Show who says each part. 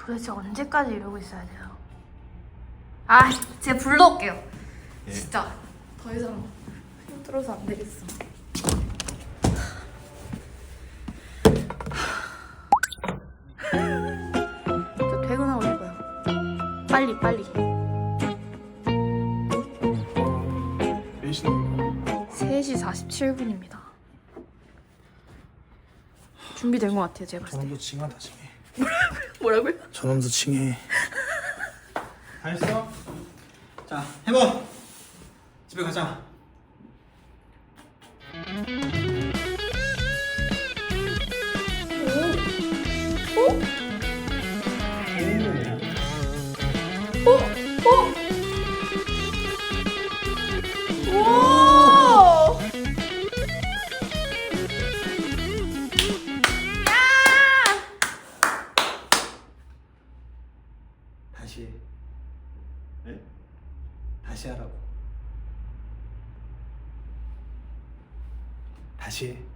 Speaker 1: 도대체 언제까지 이러고 있어야 돼요? 아, 제가 불러올게요.
Speaker 2: 예.
Speaker 1: 진짜 더 이상 힘들어서 안 되겠어. 저 퇴근하고 싶어요. 빨리 빨리.
Speaker 2: 몇 시인데?
Speaker 1: 3시 47분입니다. 준비된 것 같아요, 제가 봤을 때.
Speaker 2: 저놈도 칭하다 칭해.
Speaker 1: 뭐라고요?
Speaker 2: 저놈도 칭해.
Speaker 3: 다 했어? 자, 해봐. 집에 가자.
Speaker 1: 오!
Speaker 3: 다시 해. 네? 다시 하라고. 다시 해.